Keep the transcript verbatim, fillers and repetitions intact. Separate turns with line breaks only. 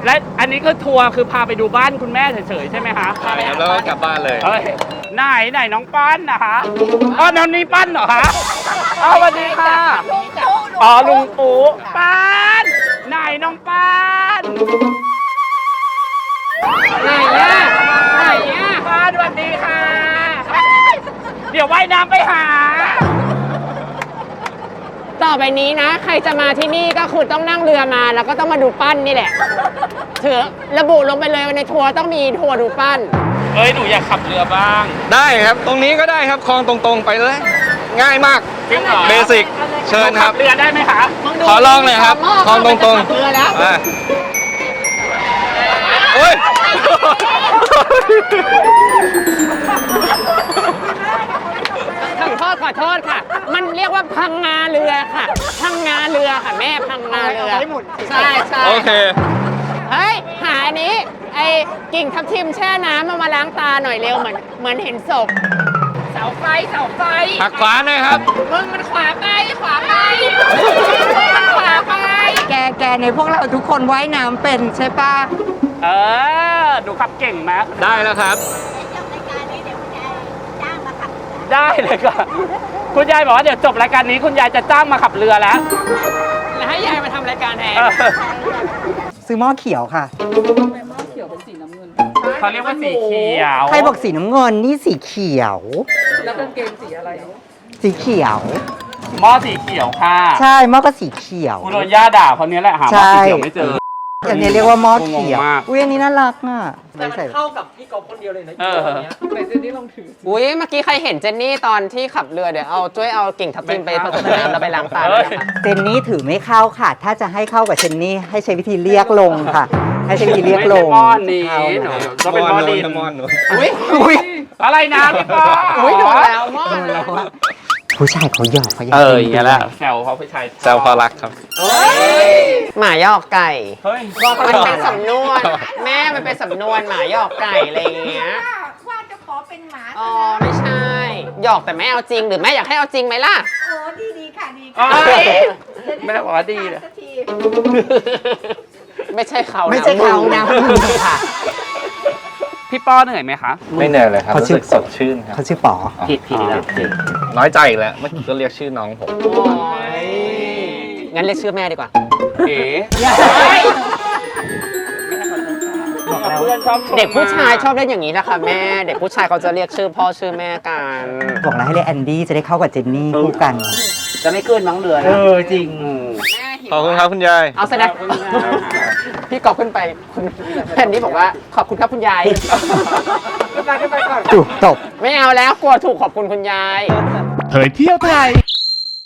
และอันนี้ก็ทัวร์คือพาไปดูบ้านคุณแม่เฉยๆใช่ไหมคะ
ใช่ครับแล้วก็กลับบ้านเลย
เฮ้ยไหนไหนน้องปั้นนะคะอ๋อน้องนี้ปั้นเหรอคะอ๋อสวัสดีค่ะอ๋อลุงปู่ปั้นไหนน้องปั้นไหนอะไหนอะปั้นสวัสดีค่ะเดี๋ยวว่ายน้ำไปหา
ต่อไปนี้นะใครจะมาที่นี่ก็คือต้องนั่งเรือมาแล้วก็ต้องมาดูปั้นนี่แหละถือระบุลงไปเลยว่าในทัวร์ต้องมีทัวร์ดูปั้น
เอ้ยหนูอยากขับเรือบ้าง
ได้ครับตรงนี้ก็ได้ครับคลองตรงๆไปเลยง่ายมาก
จริงเหรอ
เบสิกเชิญครับ
เรือได้ไหมคะ
ขอลองเลยครับคลองตรงๆ
เรือแล้ว
โอ้ย
ขอโทษขอโทษค่ะมันเรียกว่าพังงาเรือค่ะพังงาเรือค่ะแม่พังงาเรือใช่ใช่
โอเค
เฮ้ยหาอันนี้ไอ้กิ่งทับทิมแช่น้ำมามาล้างตาหน่อยเร็วเหมือนเหมือนเห็นศพเสาไฟเสาไฟ
หักขวาหน่อยครับ
มึงมันขวาไปขวาไปมันขวาไป
แกแกในพวกเราทุกคนว่ายน้ำเป็นใช่ปะ
เออดูขับเก่งไหม
ได้แล้วครับ
ได้เลยค่ะคุณยายบอกว่าเดี๋ยวจบรายการนี้คุณยายจะจ้างมาขับเรือแล้ว
แล้วให้ยายมาทำรายการแทน
ซื้อหม้อเขียวค่ะ
หม้อเขียวเป็นสีน้ำเงินเขาเรียกว่าสีเขียว
ใครบอกสีน้ำเงินนี่สีเขียว
แล้วกางเกงสีอะไร
สีเขียว
หม้อสีเขียวค่ะ
ใช่หม้อก็สีเขียว
คุณโดนย่าด่าคนนี้แหละหาหม้อสีเขียวไม่เจอ
อย่างนี้เรียกว่าหม้อเขียวอุ้ยอันนี้น่ารักอ่ะ
แต่มันเข้ากับพี่กอล์ฟคนเดียวเลยนะ
เออ
ไหนเจนนี่ลองถือ
อุ้ยเมื่อกี้ใครเห็นเจนนี่ตอนที่ขับเรือเดี๋ยวเอาช่วยเอากิ่งทับทิมไปผสมน้ำแล้วไปล้างตาด้วยนะคะ
เจนนี่ถือไม่เข้าค่ะถ้าจะให้เข้ากับเจนนี่ให้ใช้วิธีเรียกลงค่ะให้ใช้วิธีเรียกลง
หม้อนี้หนูก็เป็นหม้อดิน
หม้อหนู
อุ้ย
อุ้ย
อะไรนะพี่ปอ
อุ้ยโดนแล้วหม้อ
ผู้ชายเขาหยอกเขาหยอก
เอออย่างเงี้ยแหละแซวเขาผู้ชาย
แซวพอรักครับ
หมายอกไก่
เฮ้ย
มันเป็นสำนวนแม่มันเป็นสำนวนหมายอกไก่อะไรอย่างเงี้ย
ว่าจะขอเป็นหมา
อ๋อไม่ใช่หยอกแต่แม่เอาจริงหรือแม่อยากให้เอาจริงไหมล่ะ
โอ้ดีดีค่ะดีค่ะ
แม่บอกว่าดีเลย
ไม่ใช่เขา
ไม่ใช่เขานะค่ะ
พี่ป้อเหนื่อยไหมคะ
ไม่เหนื่อยเลยครับรู้สึกสดชื่นครับ
เขาชื่อป๋อ
ผิดผิดแล้ว
น้อยใจอีกแล้วเมื่อกี้ก็เรียกชื่อน้องผม
งั้นเรียกชื่อแม่ดีกว่า
เอ๋
เด็กผู้ชายชอบเล่นอย่างนี้นะคะแม่เด็กผู้ชายเขาจะเรียกชื่อพ่อชื่อแม่กัน
บอกแล้วให้เรียกแอนดี้จะได้เข้ากับเจนนี่คู่กัน
จะไม่เกินมั้งเรือ
เออจริง
ขอบคุณครับคุณยาย
เอาแสดงพี่กอบขึ้นไปคุณแอนดี้บอกว่าขอบคุณครับคุณยาย
ขึ้นไปขึ้นไปก่อน
ถูกตบ
ไม่เอาแล้วกลัวถูกขอบคุณคุณยาย
เผยเที่ยวไทย